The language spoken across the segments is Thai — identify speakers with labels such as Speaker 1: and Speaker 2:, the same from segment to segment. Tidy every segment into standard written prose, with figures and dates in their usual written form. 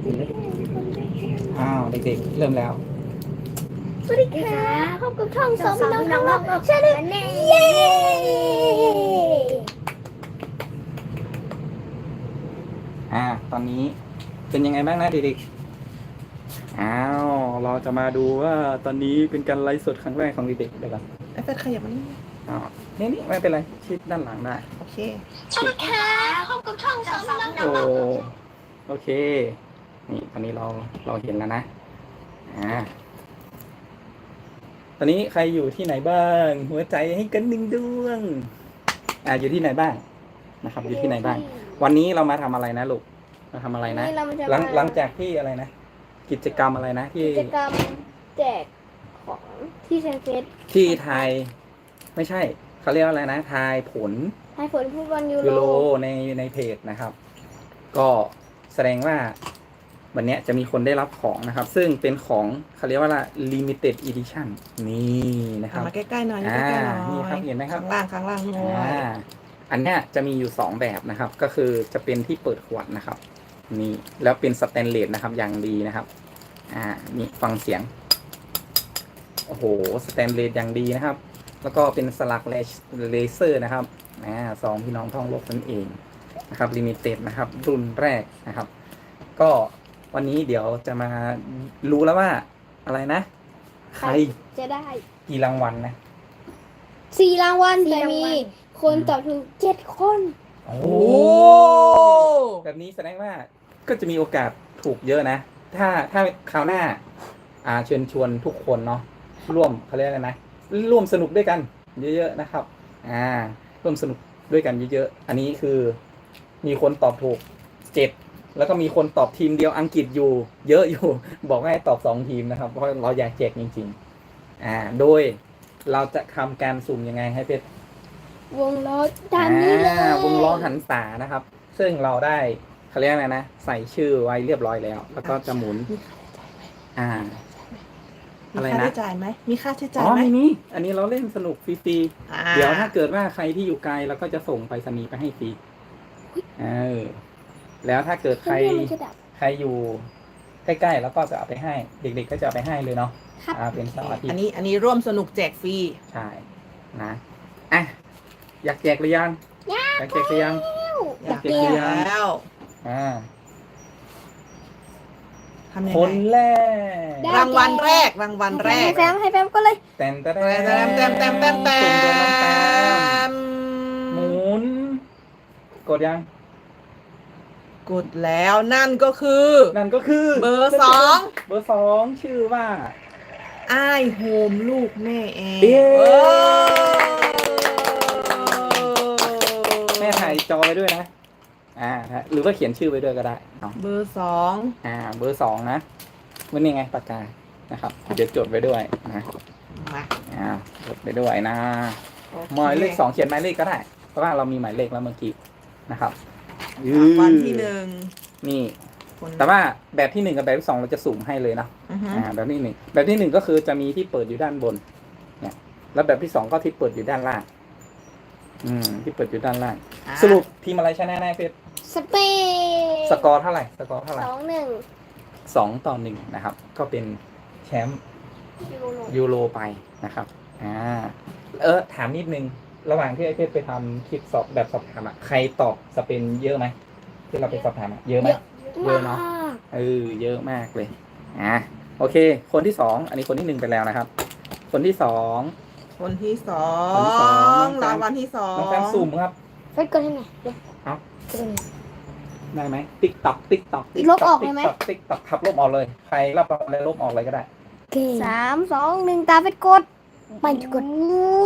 Speaker 1: อ้าวเด็กๆเริ่มแล้ว
Speaker 2: สวัสดีค่ะพบกับช่องสองพี่น้องทางโลกใช่เลยเย้
Speaker 1: ตอนนี้เป็นยังไงบ้างนะเด็กๆเราจะมาดูว่าตอนนี้เป็นการไลฟ์สดครั้งแรกของเด็กๆเลยครับ
Speaker 3: ไอ้เฟดขยับมานี่
Speaker 1: นี่ไม่เป็นไรชิดด้านหลังได้
Speaker 3: โอเค
Speaker 2: สวัสดีค่ะพบกับช่องสองพี่น้องทาง
Speaker 1: โอ้
Speaker 2: โลก
Speaker 1: โอเคนี่ตอนนี้เราเห็นแล้วนะตอนนี้ใครอยู่ที่ไหนบ้างหัวใจให้กันหนึ่งดวงอยู่ที่ไหนบ้างนะครับ อยู่ที่ไหนบ้าง วันนี้เรามาทำอะไรนะลูกมาทำอะไรนะ
Speaker 2: นี่เราจะ
Speaker 1: หลังจากที่อะไรนะกิจกรรมอะไรนะที่
Speaker 2: กิจกรรมแจกของที่เซนเฟส
Speaker 1: ที่ทายไม่ใช่เขาเรียกว่าอะไรนะทายผล
Speaker 2: ให้ผลฟุตบอลยู
Speaker 1: ยูโร
Speaker 2: โร
Speaker 1: ในเพจนะครับ ก็แสดงว่าวันนี้จะมีคนได้รับของนะครับ ซึ่งเป็นของเขาเรียกว่า limited edition นี่นะครับ
Speaker 3: มาใกล้ๆหน่อยใกล้ๆหน่อย
Speaker 1: นี่ครับเห็นไหมครับ
Speaker 3: ข้างล่างโอ้ย
Speaker 1: อันเนี้ยจะมีอยู่2แบบนะครับ ก็คือจะเป็นที่เปิดขวดนะครับนี่แล้วเป็นสแตนเลสนะครับอย่างดีนะครับนี่ฟังเสียงโอ้โหสแตนเลสอย่างดีนะครับ แล้วก็เป็นสลักเลเซอร์นะครับสองพี่น้องท่องโลกนั่นเองนะครับลิมิเต็ดนะครับรุ่นแรกนะครับ ก็วันนี้เดี๋ยวจะมารู้แล้วว่าอะไรนะ ใคร
Speaker 2: จะได้
Speaker 1: กี่รางวัลนะ
Speaker 2: 4 รางวัลแต่มีคนตอบถูก7 คน
Speaker 1: โอ้
Speaker 3: โอ้
Speaker 1: แบบนี้แสดงว่าก็จะมีโอกาสถูกเยอะนะ ถ้าคราวหน้าเชิญชวนทุกคนเนาะร่วมเขาเรียกอะไรนะร่วมสนุกด้วยกันเยอะๆนะครับร่วมสนุกด้วยกันเยอะๆอันนี้คือมีคนตอบถูก7แล้วก็มีคนตอบทีมเดียวอังกฤษอยู่เยอะอยู่ บอกให้ตอบ2ทีมนะครับเพราะเราอยากแจกจริงๆโดยเราจะทำการสุ่มยังไงให้เป็น
Speaker 2: วงล้อตามนี้เลยว
Speaker 1: งล้อหันษานะครับ ซึ่งเราได้เขาเรียกอะไรนะใส่ชื่อไว้เรียบร้อยแล้ว แล้วก็จะหมุนอะไร
Speaker 3: มีค่า
Speaker 1: นะ
Speaker 3: ใช้จ่ายไหมมีค่าใช้จ่าย
Speaker 1: อ๋อ
Speaker 3: ไหม
Speaker 1: ไม่มีอันนี้เราเล่นสนุกฟรีๆเดี๋ยวถ้าเกิดว่าใครที่อยู่ไกลเราก็จะส่งไปรษณีย์ไปให้ฟรีแล้วถ้าเกิดใคร
Speaker 2: เพื่อนมันจะดับ
Speaker 1: ใครอยู่ใกล้ๆแล้วก็จะเอาไปให้ เด็กๆก็จะเอาไปให้เลยเนาะ
Speaker 2: ครับ
Speaker 1: เป็นเสาร์อาทิต
Speaker 3: อัน
Speaker 1: ย์
Speaker 3: นี้ร่วมสนุกแจกฟรี
Speaker 1: ใช่นะอยากแจกหรือยังอยากแจกหรือยัง
Speaker 3: อยาก
Speaker 1: เก็บเงิน
Speaker 3: แล้ว ทำยัง
Speaker 1: คน
Speaker 3: ไง
Speaker 1: แรก
Speaker 3: รางวัลแรก
Speaker 2: ให้แฟมก็เลย
Speaker 1: แต้ม
Speaker 3: แต้ม
Speaker 1: สุ่มโดนน้องแต้มหมุน กดยัง
Speaker 3: กดแล้วนั่นก็คือ
Speaker 1: นั่นก็คือ
Speaker 3: เบอร์ 2
Speaker 1: เบอร์2ชื่อว่า
Speaker 3: อ้ายโฮมลูกแม่แอร์
Speaker 1: เย้
Speaker 3: โอ้
Speaker 1: แม่ถ่ายจอไปด้วยนะหรือว่าเขียนชื่อไปด้วยก็ได้เอา
Speaker 3: เบอร์
Speaker 1: เบอร์2นะมันนี่ไงปากกานะครับเดี๋ยวจดไปด้วยนะ
Speaker 3: 2มา
Speaker 1: จดไปด้วยนะหมายเลข2เขียนหมายเลขก็ได้ เพราะว่าเรามีหมายเลขแล้วเมื่อกี้นะครับ
Speaker 3: รางวัลที่
Speaker 1: นี่
Speaker 3: 1คน
Speaker 1: แต่ว่าแบบที่1กับแบบที่2เราจะสุ่มให้เลยนะ
Speaker 3: อือฮึ
Speaker 1: แบบที่แบบที่1ก็คือจะมีที่เปิดอยู่ด้านบนเนี่ยแล้วแบบที่2ก็ที่เปิดอยู่ด้านล่างที่เปิดอยู่ด้านล่าง สรุปทีมอะไรชนะแน่เฟส
Speaker 2: สเปน
Speaker 1: สกอร์เท่าไหร่
Speaker 2: 2-1
Speaker 1: 2-1นะครับ ก็เป็นแชมป์
Speaker 2: ยูโร
Speaker 1: ยูโรไปนะครับถามนิดนึงระหว่างที่ไอเฟสไปทำคลิปสอบแบบสอบถามใครตอบสเปนเยอะไหมที่เราไปสอบถามเยอะไหม เยอะเนอะ
Speaker 2: มาก
Speaker 1: เยอะมากเลยโอเค คนที่2อันนี้คนที่1ไปแล้วนะครับ คนที่2
Speaker 3: คนที่สอ
Speaker 1: คนที่สอง
Speaker 3: งรางวัลที่สอง
Speaker 1: น้องแฟมสุ่มครับ
Speaker 2: เฟซกดให้หน่อยเดี๋ยว
Speaker 1: เอา
Speaker 2: กดให้หน่อย
Speaker 1: ได้ไหมติ๊กต็อกติ๊กต็อก
Speaker 2: ลบออกเลยไหม
Speaker 1: ติ๊กต็อกขับลบออกเลย ใครรับอะไรลบออกเลยก็ได้
Speaker 2: 3-2-1 ตาเฟซกดไม่กด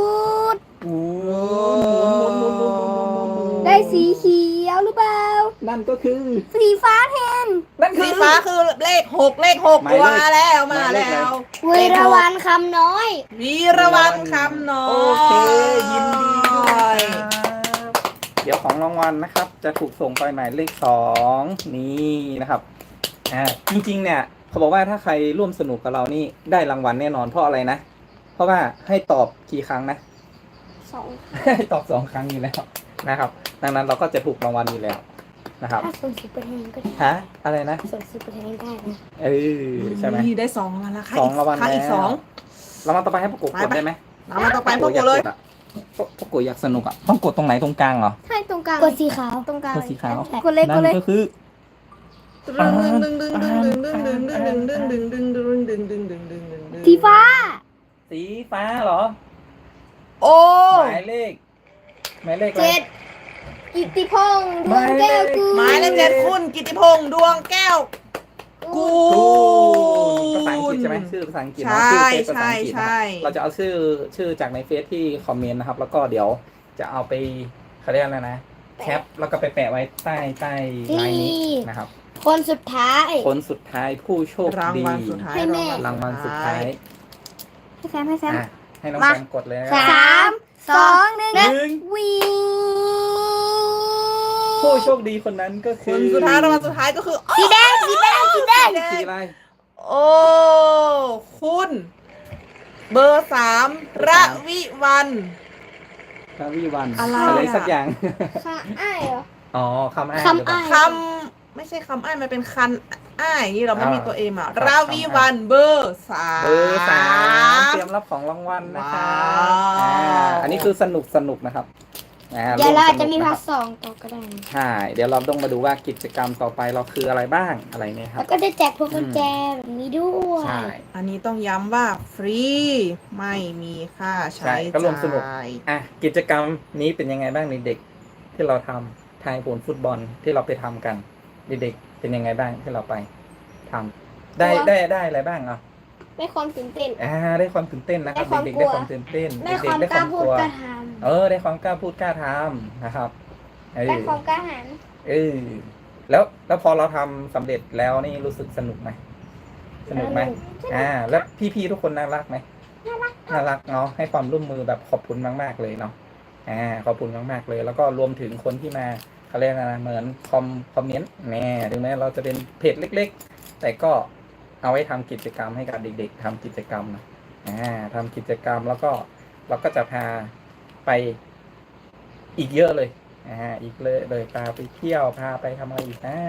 Speaker 2: ได้สีเขียวหรือเปล่า
Speaker 1: นั่นก็คือ
Speaker 2: สีฟ้าแทน
Speaker 1: นั่นคื
Speaker 3: สี
Speaker 1: อ
Speaker 3: ฟ้าคือเลข 6 เลข 6
Speaker 1: หมายเลข
Speaker 3: มาแล้ว
Speaker 1: หมายเลขอะไร
Speaker 2: เวรวันคำน้อย
Speaker 3: วีรวันคำน้อย
Speaker 1: โอเค ยินดีด้วยครับเดี๋ยวของรางวัลนะครับ จะถูกส่งไปหมายเลข2นี่นะครับจริงๆเนี่ยเขาบอกว่าถ้าใครร่วมสนุกกับเรานี่ได้รางวัลแน่นอนเพราะอะไรนะ เพราะว่าให้ตอบกี่ครั้งนะ
Speaker 2: 2
Speaker 1: ให้ตอบ2 ครั้งอยู่แล้วนะครับ ดังนั้นเราก็จะถูกรางวัลอยู่แล้วนะครับ
Speaker 2: ถ้าส่งซุปเปอร์แทนก็ได้
Speaker 1: ฮะอะไรนะ
Speaker 2: ส่งซุปเปอร์แทนได้นะ
Speaker 1: ใช่ไหม
Speaker 3: นี่ได้2รางวัลแล้วค่ะ
Speaker 1: สองรางวัล
Speaker 3: ค่ะอีก
Speaker 1: แล้ว
Speaker 3: สอง
Speaker 1: รางวัลต่อไปให้พวกกูกดได้ไหม
Speaker 3: รางวัลต่อไปพวกกูเลย
Speaker 1: พวกกูอยากสนุกอ่ะต้องกดตรงไหนตรงกลางเหรอ
Speaker 4: ใช่ตรงกลาง
Speaker 2: กดสีขาว
Speaker 4: ตรงกลาง
Speaker 1: กดสีขาว
Speaker 4: กดเลยก
Speaker 1: นั่
Speaker 4: ดเลย
Speaker 1: นก็คือ
Speaker 2: สีฟ้า
Speaker 1: สีฟ้าเหรอ
Speaker 3: โอ้
Speaker 1: หมายเลขอะไร
Speaker 4: เจ็ดกิตติพงษ์ดวงแก้วกู
Speaker 3: หมายเลข7คุณกิติพงษ์ดวงแก้วกู
Speaker 1: ภาษาอังกฤษใช่ไหมชื่อภาษาอังกฤษ
Speaker 3: ใช่
Speaker 1: เนาะชื่อเฟซภาษาอังกฤษ
Speaker 3: ใช่
Speaker 1: นะครับเราจะเอาชื่อจากในเฟซที่คอมเมนต์นะครับ แล้วก็เดี๋ยวจะเอาไปเขาเรียกอะไรนะแคปแล้วก็ไปแปะไว้ใต้ไลน์นี้นะครับ
Speaker 2: คนสุดท้าย
Speaker 1: คนสุดท้ายผู้โชค
Speaker 3: ราง
Speaker 1: ดี
Speaker 3: วัลสุดท้าย
Speaker 1: รางวัลสุดท้าย
Speaker 4: ให้แซมให้แซม
Speaker 1: อ่ะให้น้อง
Speaker 4: มา
Speaker 1: แซมกดเลยนะ
Speaker 4: 3 2 1
Speaker 1: 1
Speaker 4: วี
Speaker 1: ผู้โชคดีคนนั้นก็
Speaker 3: ค
Speaker 1: คือน
Speaker 3: สุดท้ายรางวัลสุดท้ายก็คือ
Speaker 4: สีแดงสีแดงสีแดง
Speaker 1: สีอะไร
Speaker 3: โอ้คุณเบอร์3ระวิวัน
Speaker 1: คาวิวัน
Speaker 3: อะไร
Speaker 1: อะไร
Speaker 3: อ่ะ
Speaker 1: สักอย่าง
Speaker 4: ค่ะอ้ายเหรอ
Speaker 1: อ๋อคำอ้าง
Speaker 2: คำ
Speaker 1: หรือเปล่า
Speaker 2: อ้าย
Speaker 3: คำไม่ใช่คำอ้ายมันเป็นคันอ้ายนี่เราไม่มีตัวเอ็มอ่ะ
Speaker 1: ครับ
Speaker 3: ราวิวันเบอร์สาม
Speaker 1: เบอร์3เตรียมรับของรางวัลนะครับ
Speaker 3: ว้าว
Speaker 1: อันนี้คือสนุกนะครับ
Speaker 2: เดี๋ยวเราอาจจะมี
Speaker 1: ร่ว
Speaker 2: พา
Speaker 1: ส
Speaker 2: ร์ท
Speaker 1: นุกนค
Speaker 2: สองต่อก็ได้นะ
Speaker 1: ใช่ เดี๋ยวเราต้องมาดูว่ากิจกรรมต่อไปเราคืออะไรบ้างอะไรเนี่ยครั
Speaker 2: แล้
Speaker 1: บ
Speaker 2: วก็จะแจกพวงกุญแจแบบนี้ด้วย
Speaker 1: ใช่
Speaker 3: อันนี้ต้องย้ำว่าฟรีไม่มีค่าใช้
Speaker 1: ใช่ก็ร่วมสนุก
Speaker 3: จ่าย
Speaker 1: อ่ะกิจกรรมนี้เป็นยังไงบ้างเด็กๆที่เราทำทายผลฟุตบอลที่เราไปทำกันเด็กๆเป็นยังไงบ้างที่เราไปทำได้อะไรบ้างอ่ะ
Speaker 4: ได้ความตื่นเต้น
Speaker 1: ได้ความตื่นเต้นนะครับ
Speaker 4: ได้ความ
Speaker 1: เด็กๆ
Speaker 4: กลั
Speaker 1: ได้
Speaker 4: ว
Speaker 1: ความตื่นเต้น
Speaker 2: ได้
Speaker 1: เด็
Speaker 2: ควาก ม
Speaker 1: ๆได้
Speaker 2: ก
Speaker 1: ค
Speaker 2: ล้าว
Speaker 1: าม
Speaker 2: พู
Speaker 1: ก
Speaker 2: ด
Speaker 1: ลัว
Speaker 2: กล้าท
Speaker 1: ได้ความกล้าพูดกล้าทำนะครับเอ
Speaker 4: ได้
Speaker 1: อ
Speaker 4: ความกล้าหาญ
Speaker 1: แล้วพอเราทำสำเร็จแล้วนี่รู้สึกสนุกไหมสนุกไหมแล้วพี่ๆทุกคนน่ารักไหมน่ารักเนาะให้ความร่วมมือแบบขอบคุณมากๆเลยเนาะขอบคุณมากๆเลย แล้วก็รวมถึงคนที่มาเขาเรียกอะไรนะเหมือนคอมเมนต์ถึงแม้เราจะเป็นเพจเล็กๆ แต่ก็เอาไว้ทำกิจกรรมให้กับเด็กๆทำกิจกรรมนะทำกิจกรรมแล้วก็เราก็จะพาไปอีกเยอะเลยอีกเลยพาไปเที่ยวพาไปทำอะไรอีกนะ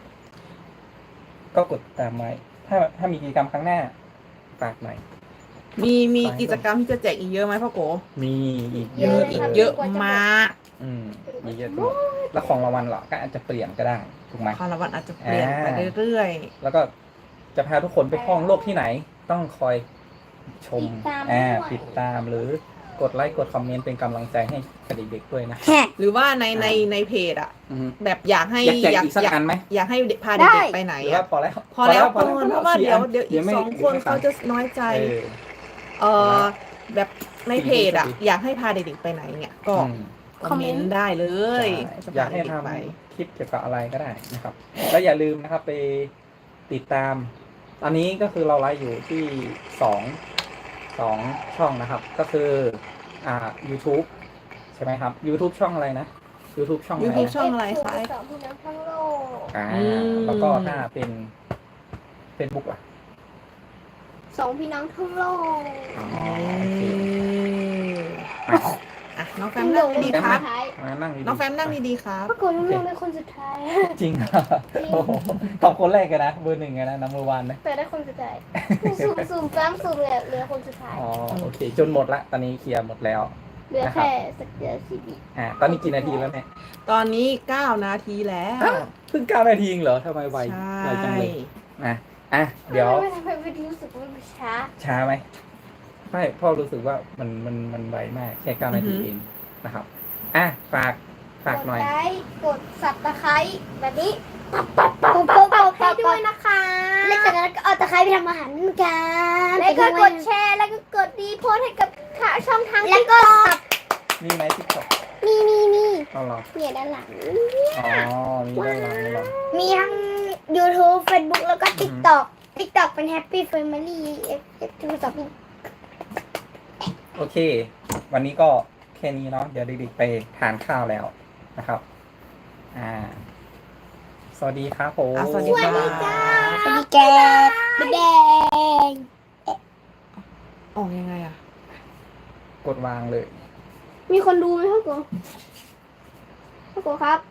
Speaker 1: ก็กดตามไว้ถ้ามีกิจกรรมครั้งหน้าฝากหน่อย
Speaker 3: มีกิจกรรมที่จะแจกอีกเยอะไหมพ่อโก
Speaker 1: มีอีก
Speaker 3: เยอะอีกเยอะมาก
Speaker 1: มีเยอะมากแล้วของรางวัลเหรอก็อาจจะเปลี่ยนก็ได้ถูกไหม
Speaker 3: คารวันอาจจะเปลี่ยนไปเรื่อย
Speaker 1: แล้วก็จะพาทุกคนไปท่องโลกที่ไหน ต้องคอยชมติดตามหรือกดไลค์กดคอมเมนต์เป็นกำลังใจให้กับเด็กๆด้วยนะ
Speaker 3: ๆ หรือว่าในเพจอะ
Speaker 1: อือฮึ
Speaker 3: แบบอยากให้
Speaker 1: อยากแจกอีกสักอันไหม
Speaker 3: อยากให้พา
Speaker 4: ได้
Speaker 3: เด็กๆไปไหน
Speaker 1: หรือว่า
Speaker 3: อะ
Speaker 1: พอแล้ว
Speaker 3: พอแล้วเพราะว่าเดี๋ยว
Speaker 1: 4
Speaker 3: อีก
Speaker 1: ไม่
Speaker 3: 2 คนเขาจะน้อยใจ
Speaker 1: เออ
Speaker 3: แบบในเพจอะอยากให้พาเด็กๆไปไหนเนี่ยก็
Speaker 1: อืม
Speaker 3: คอมเมนต์ได้เลย
Speaker 1: ใช่อยากให้ทำคลิปเกี่ยวกับอะไรก็ได้นะครับ แล้วอย่าลืมนะครับไปติดตาม ตอนนี้ก็คือเราไลฟ์อยู่ที่สองช่องนะครับ ก็คือYouTube ใช่ไหมครับ YouTube ช่องอะไรนะ YouTube ช่องอะไร
Speaker 3: YouTube
Speaker 1: นะ
Speaker 3: ช่องอะไรคะ
Speaker 4: สองพี่น้องทั้งโลก
Speaker 1: แล้วก็ถ้าเป็น Facebook อ่ะ
Speaker 4: สองพี่น้องทั้งโลก
Speaker 1: อ๋อ
Speaker 3: โอ
Speaker 1: โอ
Speaker 3: เค
Speaker 1: เค
Speaker 3: อ่ะน้องแฟมนั่งดีๆครับ
Speaker 1: มานั่งดีๆ
Speaker 3: น้องแฟมนั่งดีๆครับ
Speaker 4: ปรากฏว่าเราเป็นคนสุดท้าย
Speaker 1: จริงเหรอโอ้โหตอบคนแรกกันนะเบอร์ 1กันนะนัมเบอร์วันนะ
Speaker 4: แต่ได้คนสุดท้ายสุ่มแฟ้มสุ่มเหลือคนสุดท้าย
Speaker 1: อ๋อโอเค จนหมดละตอนนี้เคลียร์หมดแล้ว
Speaker 4: เหลือแค่สักเดือนสิบวิ
Speaker 1: ตอนนี้กี่นาทีแล้วเนี่ย
Speaker 3: ตอนนี้9 นาทีแล้ว
Speaker 1: เพิ่ง9 นาทีเองเหรอทำไมไว
Speaker 3: ใช่
Speaker 1: ไวจังเลยเดี๋ยว
Speaker 4: ทำไมไม่รู้สึกว่ามันช้า
Speaker 1: ช้าไหมไม่พ่อรู้สึกว่ามันไวมากแค่9 นาทีเองนะครับฝากหน่อย
Speaker 4: กดไลค์กดสับตะไคร้แบบนี้
Speaker 2: ำ
Speaker 4: ให้ด้วยนะคะ
Speaker 2: แล้วจากนั้นก็เอาตะไคร้ไปทำอาหารกัน
Speaker 4: แล้วก็กดแชร์แล้วก็กดรีโพสต์ให้กับช่องทาง
Speaker 2: แล้วก็
Speaker 1: มีไหมทิกตอก
Speaker 2: มี
Speaker 1: เอาเหรอ
Speaker 2: เนี่ยด้านหลัง
Speaker 1: อ๋อมีด้านหลังเหรอ
Speaker 2: มีทั้ง YouTube Facebook แล้วก็ TikTok TikTok เป็น Happy Family F2
Speaker 1: โอเค วันนี้ก็แค่นี้เนาะเดี๋ยวเด็กๆไปทานข้าวแล้วนะครับสวัสดีครับผม
Speaker 3: สวัสดีค่ะ
Speaker 2: สวัสดีแกแดง
Speaker 3: ออกยังไงอะ
Speaker 1: กดวางเลย
Speaker 4: มีคนดูไหมพ่อโกพ่อโกครับ